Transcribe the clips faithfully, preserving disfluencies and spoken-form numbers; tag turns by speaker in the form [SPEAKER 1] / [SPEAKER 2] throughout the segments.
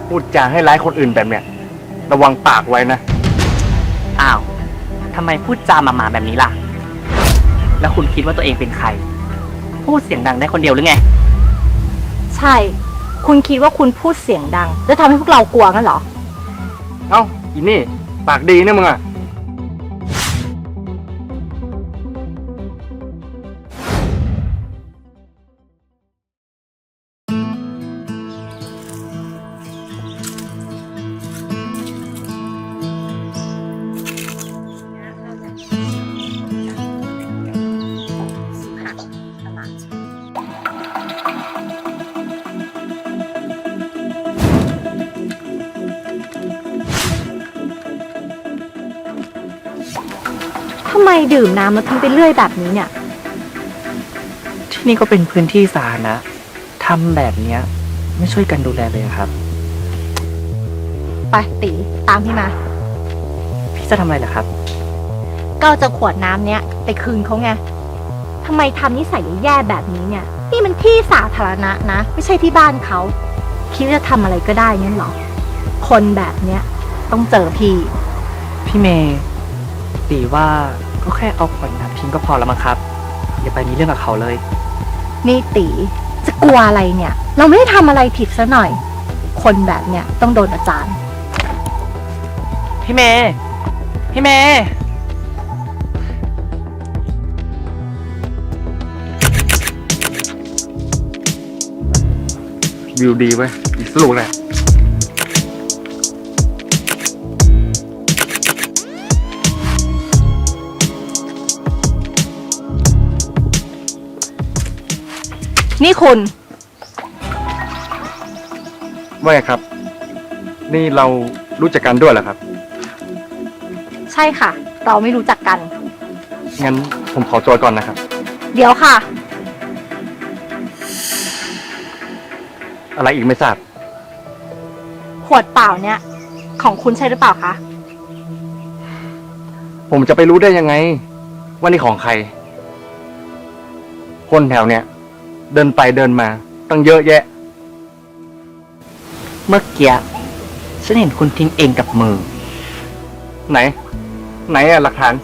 [SPEAKER 1] พูดจาให้ร้ายคนอื่นแบบเนี้ยระวังปากไว้นะ
[SPEAKER 2] อ้าวทำไมพูดจาหมาๆแบบนี้ล่ะแล้วคุณคิดว่าตัวเองเป็นใครพูดเสียงดังได้คนเดียวหรือไง
[SPEAKER 3] ใช่คุณคิดว่าคุณพูดเสียงดังจะทำให้พวกเรากลัวงั้นเหรอ
[SPEAKER 1] เอ้าอีนี่ปากดีเนี่ยมึงอะ
[SPEAKER 3] ทำไมดื่มน้ำแล้วทิ้งไปเรื่อยแบบนี้เนี่ย
[SPEAKER 2] ที่นี่ก็เป็นพื้นที่สาธารณะทำแบบเนี้ยไม่ช่วยกันดูแลเลยครับ
[SPEAKER 3] ไปตีตามพี่มา
[SPEAKER 2] พี่จะทำอะไรล่ะครับ
[SPEAKER 3] ก็จะขวดน้ำเนี้ยไปคืนเขาไงทำไมทำนิสัยแย่แบบนี้เนี่ยนี่มันที่สาธารณะนะไม่ใช่ที่บ้านเขาคิดว่าจะทำอะไรก็ได้งั้นเหรอคนแบบเนี้ยต้องเจอพี่
[SPEAKER 2] พี่เมย์ตีว่าก็แค่เอาขวดน้ำทิ้งก็พอแล้วมั้งครับอย่าไปมีเรื่องกับเขาเลย
[SPEAKER 3] นี่ตีจะกลัวอะไรเนี่ยเราไม่ได้ทำอะไรผิดซะหน่อยคนแบบเนี้ยต้องโดนอาจารย์
[SPEAKER 2] พี่เมย์พี่เมย์
[SPEAKER 1] วิวดีไว้อีกสลูกเลย
[SPEAKER 3] นี่คุณ
[SPEAKER 1] ว่าไงครับนี่เรารู้จักกันด้วยเหรอครับ
[SPEAKER 3] ใช่ค่ะเราไม่รู้จักกัน
[SPEAKER 1] งั้นผมขอตัวก่อนนะครับ
[SPEAKER 3] เดี๋ยวค่ะ
[SPEAKER 1] อะไรอีกไม่ทราบ
[SPEAKER 3] ขวดเปล่าเนี่ยของคุณใช่หรือเปล่าคะ
[SPEAKER 1] ผมจะไปรู้ได้ยังไงว่านี่ของใครคนแถวเนี้ยเดินไปเดินมาตั้งเยอะแยะ
[SPEAKER 2] เมื่อกี้ฉันเห็นคุณทิ้งเองกับมือ
[SPEAKER 1] ไหนไหนอะหลักฐาน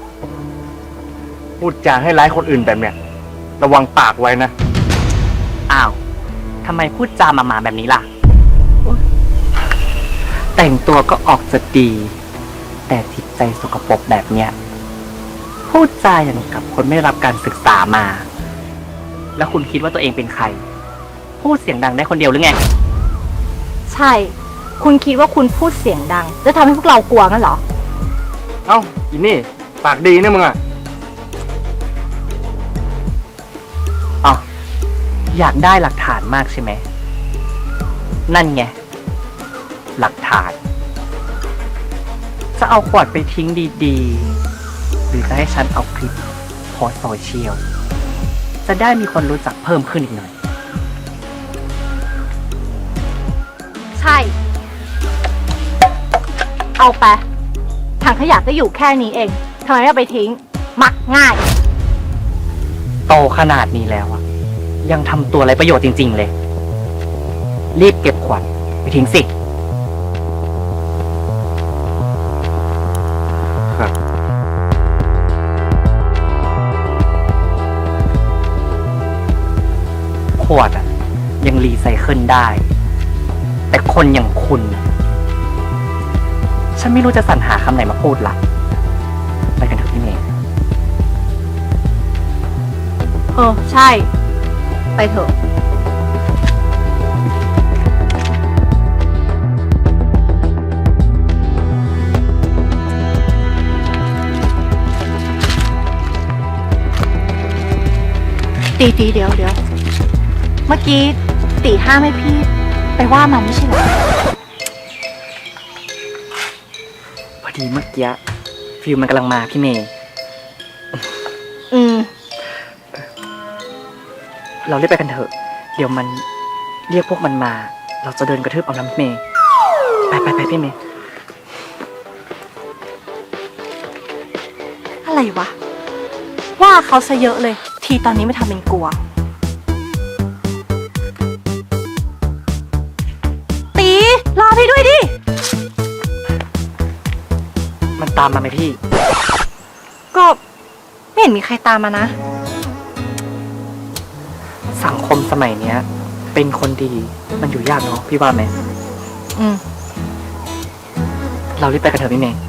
[SPEAKER 1] พูดจาให้ร้ายคนอื่นแบบเนี้ยระวังปากไว้นะ
[SPEAKER 2] อ้าวทำไมพูดจาหมาๆแบบนี้ล่ะแต่งตัวก็ออกจะดีแต่จิตใจสกปรกแบบเนี้ยพูดจาอย่างกับคนไม่รับการศึกษามาแล้วคุณคิดว่าตัวเองเป็นใครพูดเสียงดังได้คนเดียวหรือไง
[SPEAKER 3] ใช่คุณคิดว่าคุณพูดเสียงดังจะทำให้พวกเรากลัวงั้นเหรอ
[SPEAKER 1] เอ้าอีนี่ปากดีเนี่ยมึงอะ
[SPEAKER 2] อ๋ออยากได้หลักฐานมากใช่ไหมนั่นไงหลักฐานจะเอาขวดไปทิ้งดีๆหรือจะให้ฉันเอาคลิปโพสต์โซเชียลจะได้มีคนรู้จักเพิ่มขึ้นอีกหน่อย
[SPEAKER 3] ใช่เอาไปถังขยะก็อยู่แค่นี้เองทำไมไม่เอาไปทิ้งมักง่าย
[SPEAKER 2] โตขนาดนี้แล้วอะยังทำตัวไรประโยชน์จริงๆเลยรีบเก็บขวดไปทิ้งสิ
[SPEAKER 1] ครับ
[SPEAKER 2] ขวดอะยังรีไซเคิลได้แต่คนอย่างคุณฉันไม่รู้จะสรรหาคำไหนมาพูดละไปกันเถอะพี่เมย์
[SPEAKER 3] เออใช่ไปเถอะตีตีเดี๋ยวเดี๋ยวเมื่อกี้ตีห้ามให้พี่ไปว่ามันไม่ใช่เหรอ
[SPEAKER 2] พอดีเมื่อกี้ฟิลมันกำลังมาพี่เมย์
[SPEAKER 3] อืม
[SPEAKER 2] เราเรียกไปกันเถอะเดี๋ยวมันเรียกพวกมันมาเราจะเดินกระทืบเอาน้ำเมย์ไปไปไปพี่เมย์
[SPEAKER 3] อะไรวะว่าเขาซะเยอะเลยทีตอนนี้ไม่ทำเป็นกลัวตีให้ด้วยดิ
[SPEAKER 2] มันตามมาไหมพี่
[SPEAKER 3] ก็ไม่เห็นมีใครตามมานะ
[SPEAKER 2] สังคมสมัยเนี้ย เป็นคนดีมันอยู่ยากเนาะพี่ว่าไหม
[SPEAKER 3] อืม
[SPEAKER 2] เรารีบไปกันเถอะพี่เมย์